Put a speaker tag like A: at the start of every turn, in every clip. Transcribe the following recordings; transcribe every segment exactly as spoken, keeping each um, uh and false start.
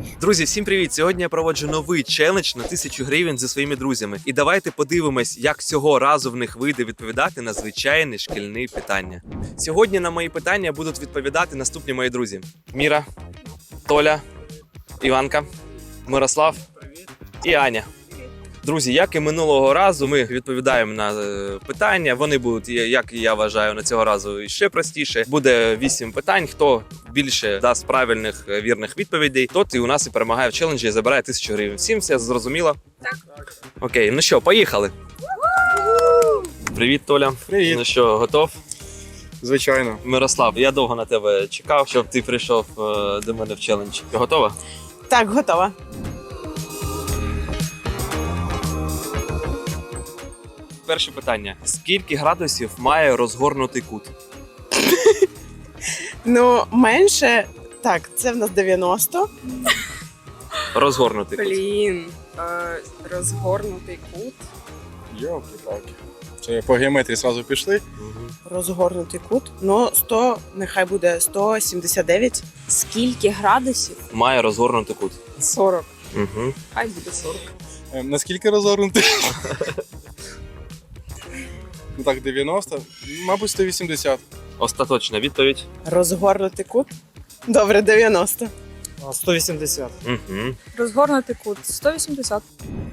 A: Друзі, всім привіт! Сьогодні я проводжу новий челендж на тисячу гривень зі своїми друзями. І давайте подивимось, як цього разу в них вийде відповідати на звичайні шкільні питання. Сьогодні на мої питання будуть відповідати наступні мої друзі: Міра, Толя, Іванка, Мирослав і Аня. Друзі, як і минулого разу, ми відповідаємо на питання. Вони будуть, як я вважаю, на цього разу ще простіше. Буде вісім питань. Хто більше дасть правильних, вірних відповідей, тот і у нас і перемагає в челенджі і забирає тисячу гривень. Всім все зрозуміло?
B: Так.
A: Окей, ну що, поїхали. Привіт, Толя.
C: Привіт.
A: Ну що, готов?
C: Звичайно.
A: Мирослав, я довго на тебе чекав, щоб ти прийшов до мене в челендж. Ти готова?
B: Так, готова.
A: Перше питання. Скільки градусів має розгорнутий кут?
B: Ну, менше. Так, це в нас дев'яносто.
A: Розгорнутий кут.
D: Блін, е, розгорнутий кут.
C: Йолки-палки. Це по геометрії зразу пішли.
A: Мгм.
B: Розгорнутий кут. Ну, сто, нехай буде сто сімдесят дев'ять.
D: Скільки градусів?
A: Має розгорнутий кут.
D: сорок.
A: Угу.
D: Хай буде сорок.
C: Ем, наскільки розгорнутий? Ну так, дев'яносто. Мабуть, сто вісімдесят.
A: Остаточна відповідь.
B: Розгорнутий кут. Добре, дев'яносто.
E: сто вісімдесят.
A: Угу.
F: Розгорнутий кут сто вісімдесят.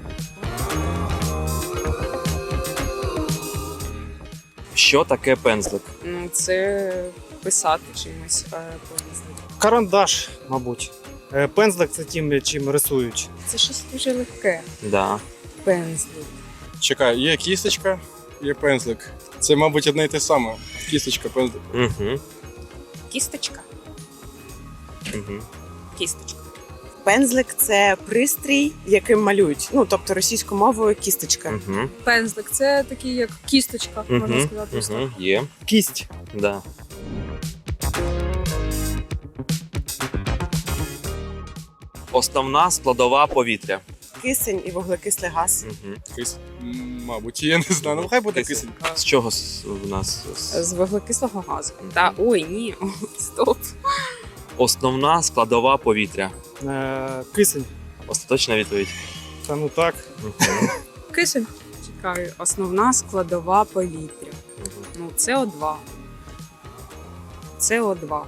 A: Що таке пензлик?
D: Ну, це писати чимось е, пензлик.
E: Карандаш, мабуть. Е, Пензлик це тим, чим рисують.
D: Це щось дуже легке.
A: Да.
D: Пензлик.
C: Чекай, є кісточка, є пензлик. Це, мабуть, одне й те саме. Кісточка, пензлик.
A: Угу.
D: Кісточка.
A: Угу.
D: Кісточка.
B: Пензлик це пристрій, яким малюють. Ну, тобто російською мовою кісточка.
A: Угу.
F: Пензлик це такий, як кісточка, можна сказати. ось так.
A: Угу. Є.
E: Кість.
A: Да. Основна складова повітря.
B: Кисень і вуглекислий газ.
A: Угу.
C: Кис... М, Мабуть, я не знаю. Ну, хай буде кисень.
A: З чого с- в нас? с-
D: З вуглекислого газу. Та ой, ні. Стоп.
A: Основна складова повітря.
E: Е, Кисень.
A: Остаточна відповідь.
E: Та ну так.
A: Угу.
F: Кисень.
D: Чекаю, основна складова повітря. Ну, це О два. Це О два.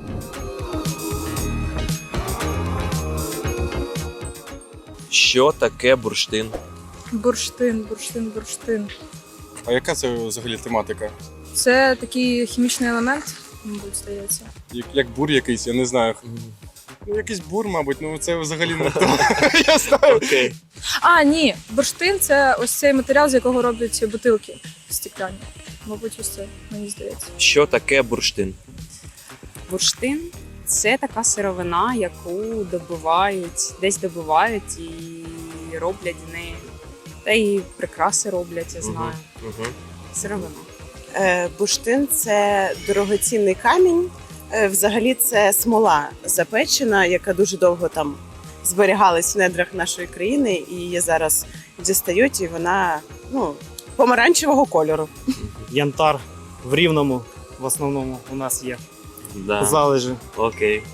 A: Що таке бурштин?
F: Бурштин, бурштин, бурштин.
C: А яка це взагалі тематика?
F: Це такий хімічний елемент, мабуть, здається.
C: Як, як бур якийсь, я не знаю. Ну, якийсь бур, мабуть, ну це взагалі не то. Я знаю.
A: Окей.
F: А, ні, бурштин це ось цей матеріал, з якого роблять бутилки стекляні. Мабуть, ось це, мені здається.
A: Що таке бурштин?
D: Бурштин це така сировина, яку добувають, десь добувають і роблять з неї. Та і прикраси роблять, я знаю.
A: Угу.
D: Сировина.
B: Е, Бурштин це дорогоцінний камінь. Е, Взагалі це смола запечена, яка дуже довго там зберігалась в недрах нашої країни, і її зараз дістають, і вона ну, помаранчевого кольору.
E: Янтар в Рівному в основному у нас є.
A: Да.
E: Залежі.
A: Окей.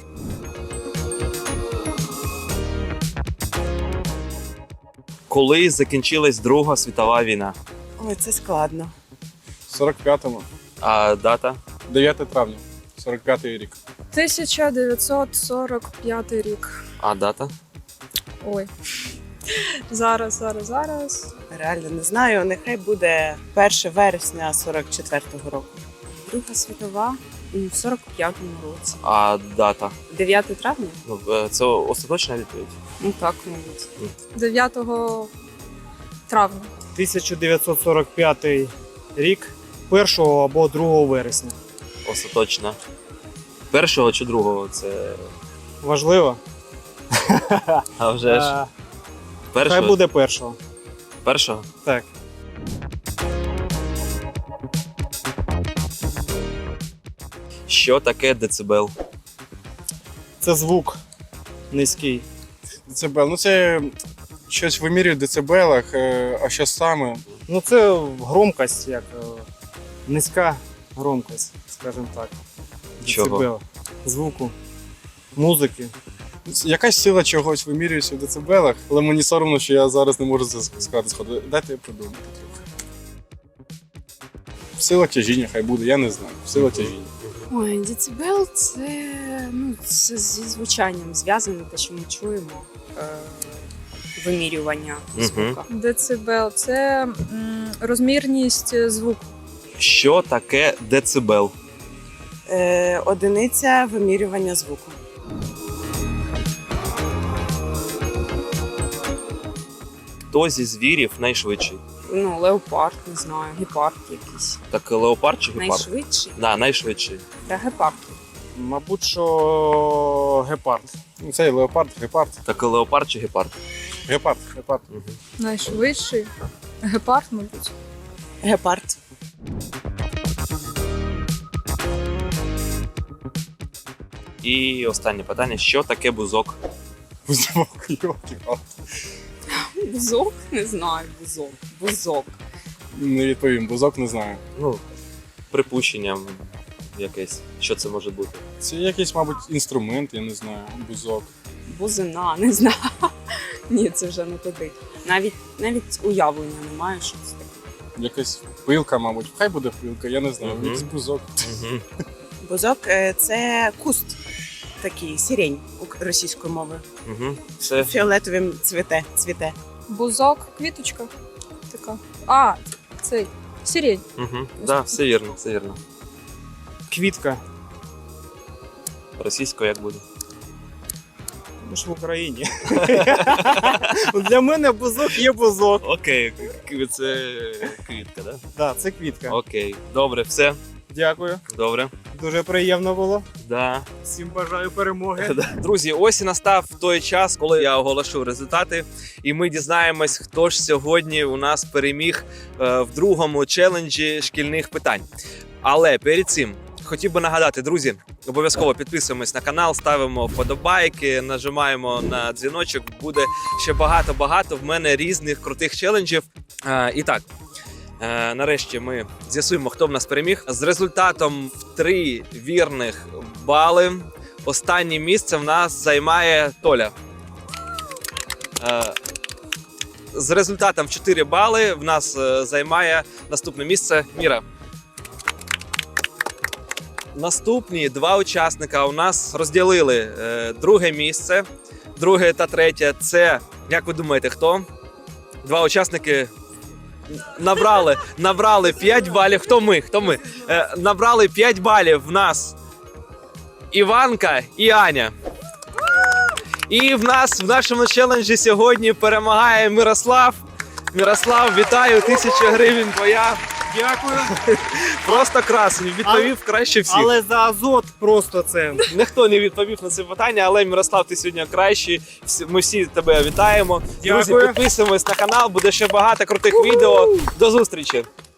A: Коли закінчилась Друга світова війна?
B: Ой, це складно.
C: сорок п'ятому.
A: А дата?
C: дев'яте травня. сорок п'ятий рік.
F: тисяча дев'ятсот сорок п'ятий рік.
A: А дата?
F: Ой. Зараз, зараз, зараз.
B: Реально не знаю. Нехай буде перше вересня сорок четвертого року.
D: Друга світова в сорок п'ятому році.
A: А дата?
D: дев'яте травня?
A: Ну, е, це остаточна відповідь?
D: Ну так, мабуть.
F: дев'ятого травня.
E: тисяча дев'ятсот сорок п'ятий рік, першого або другого вересня.
A: Остаточна. Першого чи другого? Це
E: Важливо?
A: а вже ж
E: Е, Хай
A: першого.
E: буде першого.
A: Першого?
E: Так.
A: Що таке децибел?
E: Це звук низький.
C: Децибел. Ну це щось вимірюють в децибелах, е, а що саме?
E: Ну це громкость, як е, низька громкость, скажімо так.
A: Чого?
E: Децибел. Звуку, музики.
C: Якась сила чогось вимірюється в децибелах, але мені соромно, що я зараз не можу це сказати сходу. Дайте я подумати трохи. Сила тяжіння хай буде, я не знаю. Сила тяжіння.
D: Ой, децибел це, ну, це зі звучанням зв'язане, те, що ми чуємо. Е- вимірювання
A: Мгм.
D: звука.
F: Децибел це м, розмірність звуку.
A: Що таке децибел?
B: Е, одиниця вимірювання звуку.
A: Хто зі звірів найшвидший?
D: Ну, леопард, не знаю, гепард якийсь.
A: Так леопард чи гепард?
D: Найшвидший?
A: Да, найшвидший.
D: Та гепард.
E: Мабуть, що гепард.
C: Ну, цей леопард, гепард.
A: Так леопард чи гепард?
C: Гепард, гепард.
A: Угу.
F: Найшвидший. Гепард, мабуть.
B: Гепард.
A: І останнє питання: що таке бузок?
C: Бузок, йолки.
D: Бузок? Не знаю, бузок. Бузок.
C: Не відповім, бузок не знаю.
A: Ну, припущенням якесь. Що це може бути?
C: Це якийсь, мабуть, інструмент, я не знаю, бузок.
D: Бузина, не знаю. Ні, це вже не туди. Навіть, навіть уявлення немає, що це таке.
C: Якась пилка, мабуть. Хай буде пилка, я не знаю.
A: Мгм.
C: Якийсь бузок.
A: Угу.
B: Бузок е, це куст. Такий сірень ук- російською мовою.
A: Угу. Це
B: Фіолетовим цвіте. цвіте.
F: Бузок, квіточка. Така. А, цей. Сирень.
A: угу. Да, все вірно, все вірно.
E: Квітка.
A: Російською як буде?
E: Ми ж в Україні. Для мене бузок є бузок.
A: Окей, це квітка, да?
E: Так, це квітка.
A: Окей, добре, все.
E: Дякую.
A: Добре.
E: Дуже приємно було.
A: Да.
E: Всім бажаю перемоги.
A: Друзі, ось і настав той час, коли я оголошу результати, і ми дізнаємось, хто ж сьогодні у нас переміг е, в другому челенджі шкільних питань. Але перед цим хотів би нагадати, друзі, обов'язково підписуємось на канал, ставимо вподобайки, нажимаємо на дзвіночок. Буде ще багато-багато в мене різних крутих челенджів. Е, і так. Е, нарешті ми з'ясуємо, хто в нас переміг. З результатом в три вірних бали останнє місце в нас займає Толя. Е, з результатом в чотири бали в нас е, займає наступне місце Міра. Наступні два учасника у нас розділили е, друге місце. Друге та третє – це, як ви думаєте, хто? Два учасники набрали, набрали п'ять балів. Хто ми? Хто ми? Е, набрали п'ять балів в нас Іванка і Аня. І в нас в нашому челенджі сьогодні перемагає Мирослав. Мирослав, вітаю, тисяча гривень твоя.
E: Дякую.
A: Просто красень, відповів краще всіх.
E: Але за азот просто це.
A: Ніхто не відповів на це питання, але Мирослав, ти сьогодні кращий. Всі- Ми всі тебе вітаємо. Друзі,
E: Дякую.
A: підписуємось на канал, буде ще багато крутих відео. До зустрічі!